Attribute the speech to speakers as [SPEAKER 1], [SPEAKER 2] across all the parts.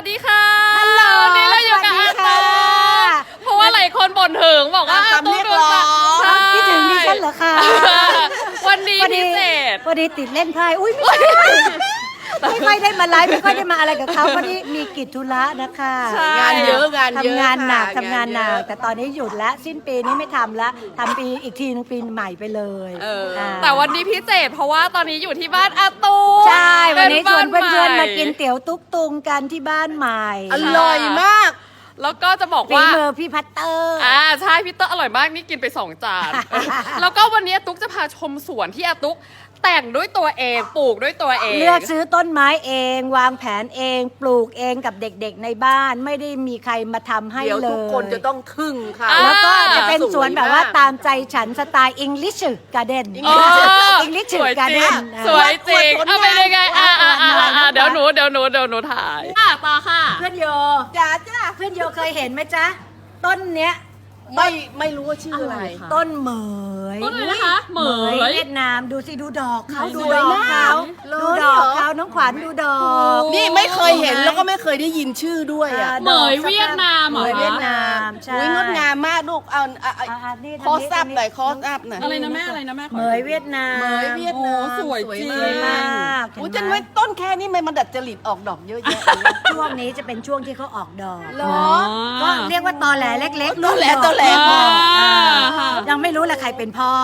[SPEAKER 1] ดีค่ะ
[SPEAKER 2] ฮัลโหล
[SPEAKER 1] วันนี้เราอยู่กับอาตูเพราะว่าหลายคนบ่นถึงบอกว่าอาตูดูสาวใช่
[SPEAKER 2] คิดถึงดิฉันเหรอคะ
[SPEAKER 1] วันนี้พิเศษ
[SPEAKER 2] พอดีติดเล่นไพ่อุ้ยไม่ใช่ไม่ค่อยได้มาไลฟ์ไม่ค่อยได้มาอะไรกับเขาพอดีมีกิจธุระนะคะ
[SPEAKER 1] ใช่
[SPEAKER 3] งานเยอะงานเยอะ
[SPEAKER 2] ทำงานหนัก
[SPEAKER 3] ค่ะ
[SPEAKER 2] ทำงานหนัก
[SPEAKER 3] เยอะ
[SPEAKER 2] แต่ตอนนี้หยุดแล้วสิ้นปีนี้ไม่ทำแล้วทำปีอีกทีนึงปีใหม่ไปเลย
[SPEAKER 1] แต่วันนี้พิเศษเพราะว่าตอนนี้อยู่ที่บ้านอาตู
[SPEAKER 2] ใช่วันนี้ชวน
[SPEAKER 1] ป็
[SPEAKER 2] เพื่อนๆ
[SPEAKER 1] บ้
[SPEAKER 2] มากินเตี๋ยวตุ๊กตุงกันที่บ้านใหม่
[SPEAKER 3] อร่อยมาก
[SPEAKER 1] แล้วก็จะบอก
[SPEAKER 2] ฝี
[SPEAKER 1] ว่า
[SPEAKER 2] มือพี่พัตเตอร์
[SPEAKER 1] ใช่พี่เตอร์อร่อยมากนี่กินไป2 จาน แล้วก็วันนี้อาตุ๊กจะพาชมสวนที่อาตุ๊กแต่งด้วยตัวเองปลูกด้วยตัวเอง
[SPEAKER 2] เลือกซื้อต้นไม้เอง วางแผนเองปลูกเองกับเด็กๆในบ้านไม่ได้มีใครมาทำให้
[SPEAKER 3] เดี๋ยว
[SPEAKER 2] เลย
[SPEAKER 3] ทุกคนจะต้องทึ่งค่ะ
[SPEAKER 2] แล้วก็จะเป็นสวนแบบว่า
[SPEAKER 3] สยมก
[SPEAKER 2] ตามใจฉันสไตล์ English Garden
[SPEAKER 1] อ๋อ
[SPEAKER 2] English
[SPEAKER 1] สวยจริง
[SPEAKER 2] Garden
[SPEAKER 1] สวยจริง
[SPEAKER 3] อวดผลงาน
[SPEAKER 1] เอาไปยังไงเดี๋ยวหนูถ่ายต่อค่ะ
[SPEAKER 2] เพื่อนโย
[SPEAKER 3] จ้า
[SPEAKER 2] เพื่อนโยเคยเห็นไหมจ๊ะ ต้นเนี้ย
[SPEAKER 3] ไม่รู้ว่าชื่ออะไร
[SPEAKER 2] ต้นเหมย
[SPEAKER 1] ต้นอะไรนะคะเหมย
[SPEAKER 2] เวียดนามดูสิดูดอกเขา
[SPEAKER 3] ส
[SPEAKER 2] ดู
[SPEAKER 3] วย
[SPEAKER 2] ดอก
[SPEAKER 3] มาก
[SPEAKER 2] เขา
[SPEAKER 3] เลย
[SPEAKER 2] ดูดอกเขาน้องขวัญดูดอก
[SPEAKER 3] นี่ไม่เคยเห็นแล้วก็ไม่เคยได้ยินชื่อด้วยอ่ะ
[SPEAKER 1] เหมยเวียดนามเหรอ
[SPEAKER 2] เหมยเวียดนามใช่
[SPEAKER 3] อุ้ยงดงามมากลูกเอา
[SPEAKER 2] นี่
[SPEAKER 3] คอสอัพหน่อยคอสอัพหน่อย
[SPEAKER 1] อะไรนะแม่อะไรนะแม่
[SPEAKER 2] เหมยเวียดนาม
[SPEAKER 3] เหมยเวียดนาม
[SPEAKER 1] โอ้สวยจริง
[SPEAKER 2] สวยมาก
[SPEAKER 3] อุ้ย
[SPEAKER 2] เห็
[SPEAKER 3] จะ
[SPEAKER 2] นไหม
[SPEAKER 3] ไว้ต้นแค่นี้มันดัดจริตออกดอกเยอะแยะ
[SPEAKER 2] ช่วงนี้จะเป็นช่วงที่เขาออกดอก
[SPEAKER 3] เหรอ
[SPEAKER 2] ก็เรียกว่าตอแหลเล็กๆ
[SPEAKER 3] ตอแหลตอแหล
[SPEAKER 2] ยังไม่รู้เลยใครเป็นพ่อ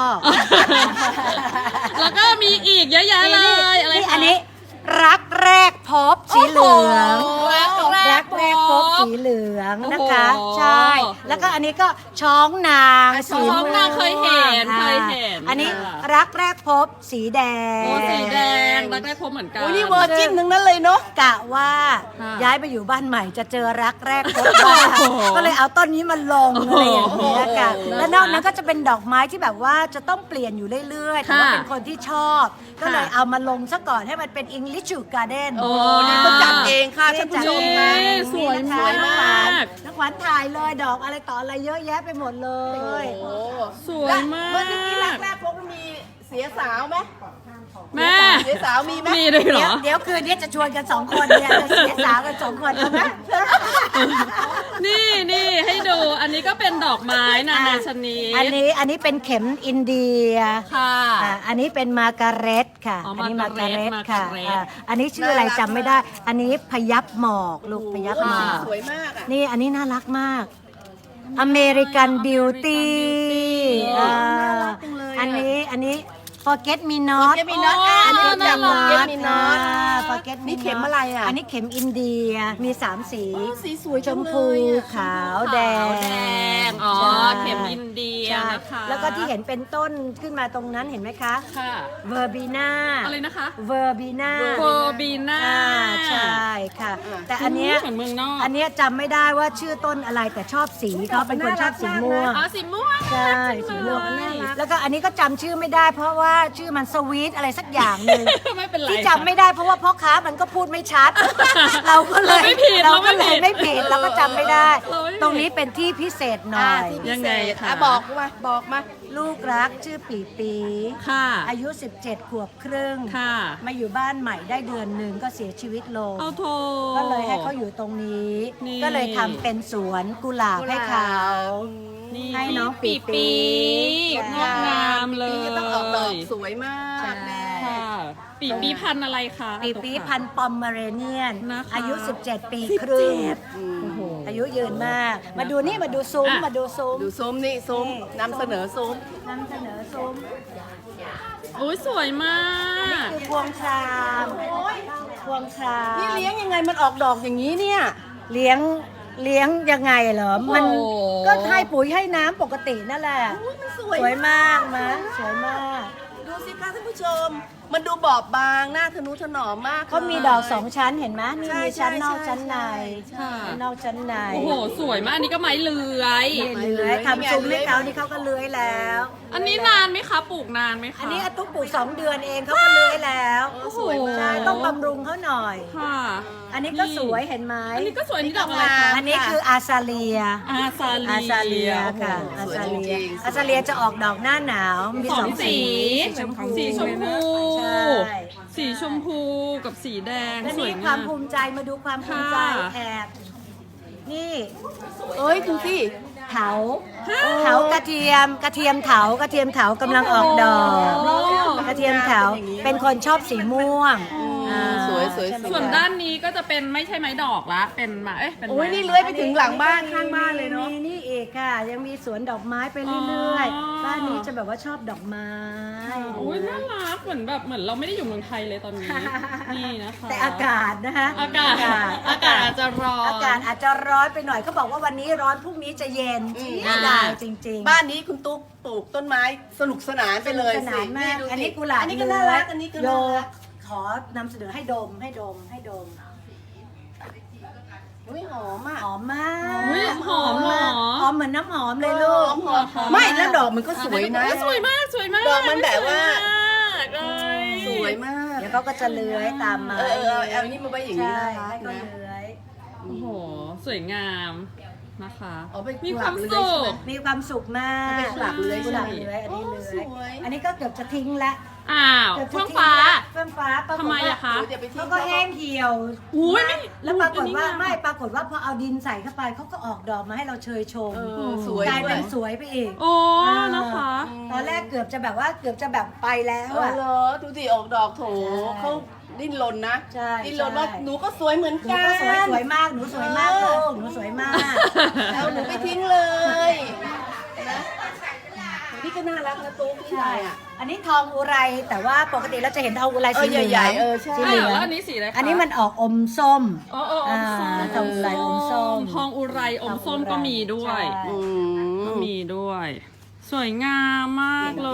[SPEAKER 1] แล้วก็มีอีกเยอะแยะเลยอะไร
[SPEAKER 2] นี่
[SPEAKER 1] คะ
[SPEAKER 2] อันนี้รักแรกพบสีเหลือง
[SPEAKER 1] โอ้โหรักแรกพบ
[SPEAKER 2] สีเหลืองนะคะ
[SPEAKER 1] โอ้โห
[SPEAKER 2] ใช่ แล้วก็อันนี้ก็ช้องนาง
[SPEAKER 1] ช้องนางเคยเห็น
[SPEAKER 2] ม่วง
[SPEAKER 1] เคยเห็น
[SPEAKER 2] อันนี้รักแรกพบสีแดง
[SPEAKER 1] โอ้สีแดงรักแรกพบเหมือนกัน
[SPEAKER 3] อุ้ยนี่เวอร์จินทั้งนั้นเลยเนาะ
[SPEAKER 2] กะว่า
[SPEAKER 1] ค่ะ
[SPEAKER 2] ย้ายไปอยู่บ้านใหม่จะเจอรักแรกพบบ้าง
[SPEAKER 1] โอ้โห
[SPEAKER 2] ก็เลยเอาต้นนี้มาลงอะไรอย่างเงี้ยค่ะ
[SPEAKER 1] โอ้โห
[SPEAKER 2] แล้วนอกนั้นก็จะเป็นดอกไม้ที่แบบว่าจะต้องเปลี่ยนอยู่เรื่อยๆแต่ว่า
[SPEAKER 1] ค่ะ
[SPEAKER 2] เป็นคนที่ชอบ ก็เลยเอามาลงซะก่อนให้มันเป็น English Garden
[SPEAKER 1] โอ้
[SPEAKER 3] นี่ก็จัดเองค่ะท่านผู้ชมนะ
[SPEAKER 1] นี่สวย
[SPEAKER 2] นี่นะคะ
[SPEAKER 1] สวยมาก
[SPEAKER 2] น้องขวัญถ่ายเลยดอกอะไรต่ออะไรเยอะแยะไปหมดเลย
[SPEAKER 3] โอ้
[SPEAKER 1] สวยมาก
[SPEAKER 3] เมื่อกี้แรกๆพวกมีเสียสาวไหม
[SPEAKER 1] แม่
[SPEAKER 3] เสียสาวมีไหม
[SPEAKER 1] มีเลยเหรอ
[SPEAKER 2] เดี๋ยวคืนนี้จะชวนกัน2 คนเนี่ยจะเสียสาวกัน2 คนเอาไหม
[SPEAKER 1] นี่ให้ดูอันนี้ก็เป็นดอกไม้นานาชนิด
[SPEAKER 2] อันนี้เป็นเข็มอินเดีย
[SPEAKER 1] ค่ะ
[SPEAKER 2] อันนี้เป็นมาการเร็ตค่ะ
[SPEAKER 1] อ๋อ
[SPEAKER 2] อันนี้มาการเร็ต
[SPEAKER 1] มา
[SPEAKER 2] ค่ะ
[SPEAKER 1] การเร็ต
[SPEAKER 2] อันนี้ชื่ออะไรจำไม่ได้ อันนี้พยับหมอกลูกพยับหมอก
[SPEAKER 3] สวยมากอ่ะ
[SPEAKER 2] นี่อันนี้น่ารักมาก อเมริกันบิวตี้
[SPEAKER 3] น่ารักจังเลยอะ
[SPEAKER 2] อันนี้ forget me not
[SPEAKER 3] Forget me not อันนี้รู้จัก Forget me not
[SPEAKER 2] forget me
[SPEAKER 3] นี่เข็มอะไรอ่ะ
[SPEAKER 2] อันนี้เข็มอินเดียมี3 สี
[SPEAKER 3] สีสวย
[SPEAKER 2] ชมพู ขาวแดง
[SPEAKER 1] แดงอ๋อ
[SPEAKER 2] ใช่
[SPEAKER 1] เข็มอินเดีย
[SPEAKER 2] ใช่
[SPEAKER 1] นะคะ
[SPEAKER 2] แล้วก็ที่เห็นเป็นต้นขึ้นมาตรงนั้นเห็นไหมคะ
[SPEAKER 1] ค่ะ
[SPEAKER 2] เวอร์บีนา
[SPEAKER 1] อะไรนะคะ
[SPEAKER 2] เวอร์บีนา
[SPEAKER 1] โคบีน่า
[SPEAKER 2] ใช่ค่ะ แต่อันเนี้ย
[SPEAKER 1] เหมือนเมืองนอก
[SPEAKER 2] อันเนี้ยจำไม่ได้ว่าชื่อต้นอะไรแต่ชอบสีเขาเป็นคนชอบสีม่วง
[SPEAKER 1] อ๋อสีม่วง
[SPEAKER 2] ใช่สีม่วงแล้วก็อันนี้ก็จำชื่อไม่ได้ เพราะว่าชื่อมันสวีทอะไรสักอย่างหนึ่ง
[SPEAKER 1] ไม่เป็นไร
[SPEAKER 2] ที่จำไม่ได้เพราะว่าพ่อค้ามันก็พูดไม่ชัด เราก็เลย
[SPEAKER 1] เราไม่ผิด
[SPEAKER 2] เราก็เลย
[SPEAKER 1] เราไม่
[SPEAKER 2] ไม่
[SPEAKER 1] ผิ
[SPEAKER 2] ผิด
[SPEAKER 1] ด
[SPEAKER 2] เราก็จำไม่ได้
[SPEAKER 1] เราไม่ผิด
[SPEAKER 2] ตรงนี้เป็นที่พิเศษหน่อย
[SPEAKER 3] ที่พิ
[SPEAKER 1] ยัง
[SPEAKER 3] เศ
[SPEAKER 1] ไง
[SPEAKER 3] ษ
[SPEAKER 1] คะ
[SPEAKER 3] บอกมา
[SPEAKER 2] ลูกรักชื่อปีปี
[SPEAKER 1] ค่ะ
[SPEAKER 2] อายุ 17 ขวบครึ่ง
[SPEAKER 1] ค่ะ
[SPEAKER 2] มาอยู่บ้านใหม่ได้เดือนหนึ่งก็เสียชีวิตลง
[SPEAKER 1] เอาโท
[SPEAKER 2] ก็เลยให้เขาอยู่ตรงนี้
[SPEAKER 1] นี่
[SPEAKER 2] ก็เลยทำเป็นสวนกุหลาบให้เขา
[SPEAKER 1] นี่
[SPEAKER 2] ให้น้องปี
[SPEAKER 1] ปีงดงามเลย
[SPEAKER 3] ปีก็ต้องออกดอกสวยมากแม่
[SPEAKER 1] ค่ะปีพันธุ์อะไรคะ
[SPEAKER 2] ปีปีพันธุ์ปอมเมเรเนียน
[SPEAKER 1] นะคะ
[SPEAKER 2] อายุ 17 ปีครึ่ง
[SPEAKER 1] โอ้โห
[SPEAKER 2] อายุยืนมาก มาดูนี่มาดูซุ้ม
[SPEAKER 1] อ่ะ
[SPEAKER 2] มาดูซุ้ม
[SPEAKER 3] ดูซุ้มนี่ซุ้มนำเสนอซุ้ม
[SPEAKER 2] นำเสนอซุ้ม
[SPEAKER 1] โอ้ยสวยมาก
[SPEAKER 2] คือพวงครามพวงคราม
[SPEAKER 3] นี่เลี้ยงยังไงมันออกดอกอย่างนี้เนี่ย
[SPEAKER 2] เลี้ยงยังไงเหรอ มัน
[SPEAKER 1] โอ้โห
[SPEAKER 2] ก็ให้ปุ๋ยให้น้ำปกตินั่นแหละ
[SPEAKER 3] อุ๊ยมันส
[SPEAKER 2] ส
[SPEAKER 3] วย
[SPEAKER 2] วยมากมะสวยมาก
[SPEAKER 3] ดูสิคะท่านผู้ชม มันดูบอบบางหน้าทะนุถนอมมาก
[SPEAKER 2] เขามีดอก2 ชั้นเห็นไหมนี่
[SPEAKER 3] ใช่
[SPEAKER 2] มีชั้นนอก
[SPEAKER 3] ใช่
[SPEAKER 2] ชั้นใน
[SPEAKER 1] ค่ะ
[SPEAKER 2] ชั้นนอกชั้นใน
[SPEAKER 1] โอ้โหสวยมากอันนี้ก็ไม้เลื้อย
[SPEAKER 2] เลื้อยทำซุ้มให้เขานี่เขาก็เลื้อยแล้ว
[SPEAKER 1] อันนี้นานไหมคะปลูกนานไหมคะ
[SPEAKER 2] อันนี้อาตุ๊กปลูก2 เดือนเองเขาก็เลื้อยแล้ว
[SPEAKER 1] โอ้โห
[SPEAKER 2] ใช่ต้องบำรุงเขาหน่อย
[SPEAKER 1] ค่ะ
[SPEAKER 2] อันนี้ก็สวยเห็นไหม
[SPEAKER 1] อันนี้ก็สวยนี่ดอกอะไรคะ
[SPEAKER 2] อันนี้คืออาซาเลีย
[SPEAKER 1] อาซา
[SPEAKER 2] อาซาเลียค่ะ อาซาเลีย อาซาเลียจะออกดอกหน้าหนาว มี
[SPEAKER 1] ส
[SPEAKER 2] ส
[SPEAKER 1] อ
[SPEAKER 2] อง ง
[SPEAKER 1] สี
[SPEAKER 2] สี
[SPEAKER 1] สีชมพู
[SPEAKER 2] ใช่
[SPEAKER 1] สีชมพูกับสีแดง
[SPEAKER 2] และ
[SPEAKER 1] สวย
[SPEAKER 2] นี่ค
[SPEAKER 1] งาว
[SPEAKER 2] าม
[SPEAKER 1] ม
[SPEAKER 2] ภูมิใจมาดูความภูมิใจ
[SPEAKER 1] ค่ะ
[SPEAKER 2] แอบนี่
[SPEAKER 3] เอ้ยดูสิ
[SPEAKER 2] เถากระเทียมเถากระเทียมเถากำลังออกดอก
[SPEAKER 1] โอ้
[SPEAKER 2] กระเทียมเถาเป็นคนชอบสีม่วงา
[SPEAKER 3] สวยสวย
[SPEAKER 2] ใช่ไหม
[SPEAKER 1] ส่วน
[SPEAKER 2] คะ
[SPEAKER 1] ด้านนี้ก็จะเป็นไม่ใช่ไม้ดอกละเป็นไม้เป็นไม้
[SPEAKER 3] โอ้ยนี่เลื้อยไปถึงหลังบ้านข้างบ้านเลยเนาะ
[SPEAKER 2] มีนี่อีกค่ะ ยังมีสวนดอกไม้ไปเรื่อย
[SPEAKER 1] อ๋อ
[SPEAKER 2] ๆบ้านนี้จะแบบว่าชอบดอกไม้
[SPEAKER 1] โอ้ยน่ารักเหมือนแบบเหมือนเราไม่ได้อยู่เมืองไทยเลยตอนนี้ นี่นะคะ
[SPEAKER 2] แต่อากาศนะคะ
[SPEAKER 1] อากาศอาจจะร้อน
[SPEAKER 2] อากาศอาจจะร้อนไปหน่อยเขาบอกว่าวันนี้ร้อนพรุ่งนี้จะเย็น
[SPEAKER 3] อืม
[SPEAKER 2] เสียดายจริงๆ
[SPEAKER 3] บ้านนี้คุณตุ๊กปลูกต้นไม้สนุกสนานไปเลย
[SPEAKER 2] สนานมาก
[SPEAKER 3] ดูสิ
[SPEAKER 2] อันนี้กุหลาบ
[SPEAKER 3] อันนี้ก็น่ารักอันนี้ก็
[SPEAKER 2] โย
[SPEAKER 3] น่ารัก
[SPEAKER 2] ขอนำเสนอให้ดม
[SPEAKER 3] อุ้ยหอมอ่ะ
[SPEAKER 2] หอมมาก
[SPEAKER 1] อุ๊ยหอมเหรอ
[SPEAKER 2] หอมเหมือนน้ำหอมเลยลูก
[SPEAKER 3] หอมไม่แล้วดอกมันก็สวยนะ
[SPEAKER 1] สวยมากสวยมาก
[SPEAKER 3] ดอกมันแบบว่า
[SPEAKER 1] สวยมากเลย
[SPEAKER 3] สวยมาก
[SPEAKER 2] เดี๋ยวเขาก็จะเลื้อยตามมา
[SPEAKER 3] เอานี่มาไว้อย่างนี้
[SPEAKER 2] ใช่
[SPEAKER 3] น่ารั
[SPEAKER 2] ให้
[SPEAKER 3] ก
[SPEAKER 2] เขา
[SPEAKER 3] นะ
[SPEAKER 2] เลื้อย
[SPEAKER 1] โอ้โหสวยงามนะคะ
[SPEAKER 3] อ๋อเป็น
[SPEAKER 1] มี
[SPEAKER 3] กุห
[SPEAKER 1] ค
[SPEAKER 3] ลาบ
[SPEAKER 1] วาม
[SPEAKER 3] เลย
[SPEAKER 1] สุ
[SPEAKER 3] ใช่ไหม
[SPEAKER 1] ข
[SPEAKER 2] มีความสุขมาก
[SPEAKER 3] เป็นกุหลาบเลื้อย
[SPEAKER 2] กุหลาบ
[SPEAKER 3] ใช่ไหม
[SPEAKER 2] เลื้อยอันนี้เลื้
[SPEAKER 3] ส
[SPEAKER 2] อย
[SPEAKER 3] วย
[SPEAKER 2] อันนี้ก็เกือบจะทิ้งละ
[SPEAKER 1] อ้าว
[SPEAKER 2] กืบจะ
[SPEAKER 1] เฟื่อง
[SPEAKER 2] ทิ้
[SPEAKER 1] ฟ้า
[SPEAKER 2] ละเฟื่องฟ้าปรากฏ
[SPEAKER 1] ทำไม
[SPEAKER 2] ว่า
[SPEAKER 1] อะคะ
[SPEAKER 3] เดี๋ยวไปทิ้ง
[SPEAKER 2] เขาก็แห้งเหี่ยว
[SPEAKER 1] อุ้ยไม่
[SPEAKER 2] แล้วปรากฏว่า
[SPEAKER 1] อันนี้
[SPEAKER 2] ไม่ปรากฏว่าพอเอาดินใส่เข้าไปเขาก็ออกดอกมาให้เราเชยชม
[SPEAKER 3] สวย
[SPEAKER 2] กลายเป็น
[SPEAKER 3] ด้วย
[SPEAKER 2] สวยไปอีก
[SPEAKER 1] โอ้นะคะ
[SPEAKER 2] ตอนแรกเกือบจะแบบว่าเกือบจะแบบไปแล้ว
[SPEAKER 3] เออ
[SPEAKER 2] อะ
[SPEAKER 3] เหรอดูสิออกดอกโถ
[SPEAKER 2] ใช่
[SPEAKER 3] เขาดิ้นรนนะ
[SPEAKER 2] ใช่
[SPEAKER 3] ดิ้นรนว่า
[SPEAKER 2] ใช่
[SPEAKER 3] หนูก็สวยเหมือน
[SPEAKER 2] หนู
[SPEAKER 3] กัน
[SPEAKER 2] ก็สวยมากหนูสวยมากลูกหนูสวยมาก
[SPEAKER 3] เอาหนูไปทิ้งเลยนะนี่ก็น่ารักนะตุ๊กนี่อะไรอ่ะ
[SPEAKER 2] อันนี้ทองอุไรแต่ว่าปกติเราจะเห็นทองอุไรสีเหลือง
[SPEAKER 3] ใหญ่ๆใช่
[SPEAKER 2] สีเหลือง
[SPEAKER 1] แล้วอันนี้สีอะไรคะ
[SPEAKER 2] อันนี้มันออกอมส้ม
[SPEAKER 1] อ๋ออ๋ออมส้ม
[SPEAKER 2] ทองอุไรอมส้ม
[SPEAKER 1] ทองอุไรอมส้มก็มีด้วย
[SPEAKER 2] ใช่
[SPEAKER 3] อื
[SPEAKER 1] ก็
[SPEAKER 3] ม
[SPEAKER 1] มีด้วย สวยงามมากเลย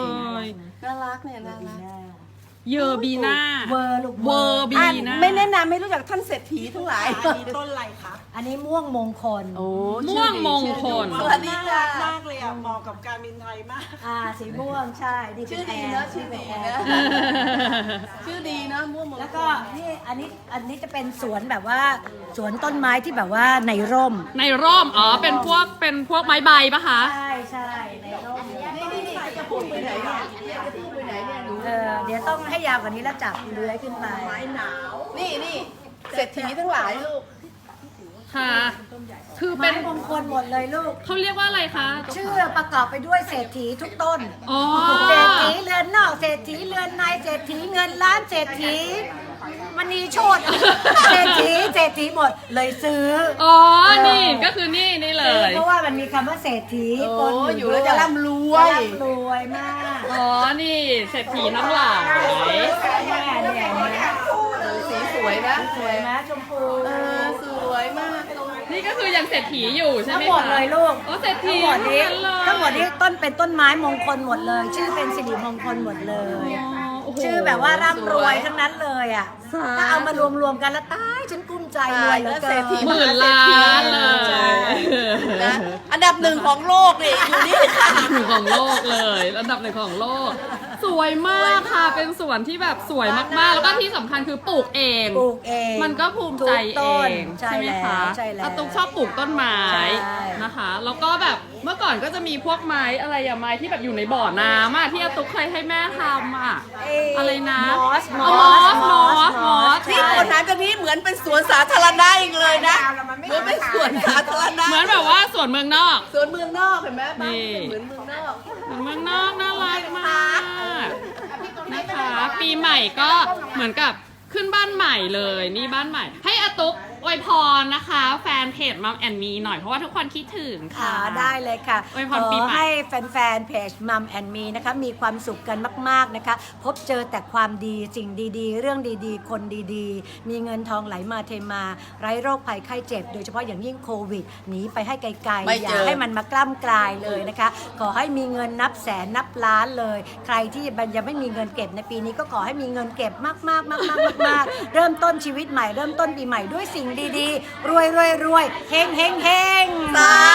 [SPEAKER 3] น่ารักเนี่ยน่ารัก
[SPEAKER 1] เยอร์บีน่า
[SPEAKER 2] เวอร์ลูก
[SPEAKER 1] เวอร์บี
[SPEAKER 3] อ่ะ
[SPEAKER 1] น่า
[SPEAKER 3] ไม่แนะนำไม่รู้จักท่านเศรษฐีทั้งหลาย
[SPEAKER 2] อันนี้ม่วงมงคล
[SPEAKER 3] โอ้
[SPEAKER 1] ม่วงมงคล
[SPEAKER 3] สวัสดีค่ะ
[SPEAKER 4] มากเลยอ่ะเหมาะกับการบินไทยมาก
[SPEAKER 2] สีม่วงใช่ดี
[SPEAKER 3] ชื่อดีนะชื่อดีนะ ชื่อดีนะม่วงมงคล
[SPEAKER 2] แล้วก็นี่อันนี้จะเป็นสวนแบบว่าสวนต้นไม้ที่แบบว่าในร่ม
[SPEAKER 1] ในร่มอ๋อเป็นพวกไม้ใบปะคะ
[SPEAKER 2] ใช่ใช่ในร่ม
[SPEAKER 3] นี่จะพุ่งไปไหนเนี่ยจะพุ่งไปไหนเนี่ยหนู
[SPEAKER 2] เดี๋ยวต้องให้ยาวกว่านี้แล้วจับเลื้อยขึ้นไป
[SPEAKER 3] นี่เศรษฐีทั้งหลายลูก
[SPEAKER 1] ค่ะ คือ
[SPEAKER 2] ไม้
[SPEAKER 1] เป็น
[SPEAKER 2] มงคลหมดเลยลูก
[SPEAKER 1] เขาเรียกว่าอะไรคะ
[SPEAKER 2] ชื่อประกอบไปด้วยเศรษฐีทุกต้น
[SPEAKER 1] อ๋อ
[SPEAKER 2] เศรษฐีเรือนนอกเศรษฐีเรือนในเศรษฐีเงินล้านเศรษฐีมณีโชตเศรษฐีหมดเลยซื้อ
[SPEAKER 1] อ๋อ นี่ก็คือนี่เลย
[SPEAKER 2] เพราะว่ามันมีคำว่าเศรษฐี
[SPEAKER 3] โอ้
[SPEAKER 2] ปน
[SPEAKER 3] อยู่แล้วจะร่ำรวย
[SPEAKER 2] ร่ำรวยมาก
[SPEAKER 1] อ๋อ นี่เศรษฐีทั้งหลาย
[SPEAKER 2] เนี่ย
[SPEAKER 3] สีสวยนะ
[SPEAKER 2] สวยไหมชมพู
[SPEAKER 3] สวยมาก
[SPEAKER 1] นี่ก็คือยังเศรษฐีอยู่ใช่ไหม
[SPEAKER 2] ทั้ง
[SPEAKER 1] คะ
[SPEAKER 2] หมดเลยลูก
[SPEAKER 1] โอ้เศรษฐี
[SPEAKER 2] ทั้งหมดนี้ต้นเป็นต้นไม้มงคลหมดเลย ชื่อเป็นสิริมงคลหมดเลย
[SPEAKER 1] โโห
[SPEAKER 2] ชื่อแบบว่าร่ำรวยทั้งนั้นเลยอ่ะ ถ้าเอามารวมๆกันแล้วตายฉันกุ้มใจรวยเหลือเกิน
[SPEAKER 1] หมื่นล้านเล
[SPEAKER 2] ใช่
[SPEAKER 1] ย
[SPEAKER 3] นะอันดับหนึ่งของโลกนี่อยู่นี่ค่ะ
[SPEAKER 1] หนึ่งของโลกเลยระดับหนึ่งของโลก สวยมากค่ะ เป็นสวนที่แบบสวยมากๆ แล้วก็ที่สำคัญคือปลูกเอง
[SPEAKER 2] ปลูกเอง
[SPEAKER 1] มันก็ภูมิใจ
[SPEAKER 2] ทุกต้
[SPEAKER 1] เอน ง
[SPEAKER 2] ใช่
[SPEAKER 1] ไหมคะ
[SPEAKER 2] แล้วใช่แล้ว
[SPEAKER 1] อาตุ๊กชอบปลูกต้นไม้
[SPEAKER 2] ใช่
[SPEAKER 1] นะคะ แล้วก็แบบเมื่อก่อนก็จะมีพวกไม้อะไรอะไม้ที่แบบอยู่ในบ่อน้ำอะที่อาตุ๊กเคยให้แม่ทำอะอะไรนะ
[SPEAKER 2] มอส
[SPEAKER 1] อ๋อมอส
[SPEAKER 3] นี่คนนั้นกันนี้เหมือนเป็นสวนสาธารณะอีกเลยนะเหมือนเป็นสวนสาธารณะ
[SPEAKER 1] เหมือนแบบว่าสวนเมืองนอก
[SPEAKER 3] สวนเมืองนอกเห็นไหมบ้าน
[SPEAKER 1] นี่
[SPEAKER 3] เหมือนเมืองนอก
[SPEAKER 1] เหมือนเมืองนอกน่ารักมากนะคะ ปีใหม่ก็เหมือนกับขึ้นบ้านใหม่เลยนี่บ้านใหม่ ให้อาตุ๊กอวยพรนะคะ แฟนเพจมัมแอนมีหน่อยเพราะว่าทุกคนคิดถึงค่ะ
[SPEAKER 2] ได้เลยค่ะ
[SPEAKER 1] อวยพรปีใหม่
[SPEAKER 2] ให้แฟนๆเพจมัมแอนมีนะคะมีความสุขกันมากๆนะคะ พบเจอแต่ความดีสิ่งดีๆ เรื่องดีๆ คนดีๆ มีเงินทองไหลมาเทมาไร้โรคภัยไข้เจ็บ โดยเฉพาะอย่างยิ่งโควิดหนีไปให้ไกล
[SPEAKER 3] ไม่
[SPEAKER 2] ๆ อ
[SPEAKER 3] เจอ
[SPEAKER 2] ย่าให้มันมากล้ำกลายเลยนะคะ ขอให้มีเงินนับแสนนับล้านเลย ใครที่ยังไม่มีเงินเก็บในปีนี้ก็ขอให้มีเงินเก็บมากๆๆๆๆเริ่มต้นชีวิตใหม่เริ่มต้นปีใหม่ด้วยสิ่งดีๆ รวยเฮง
[SPEAKER 3] สา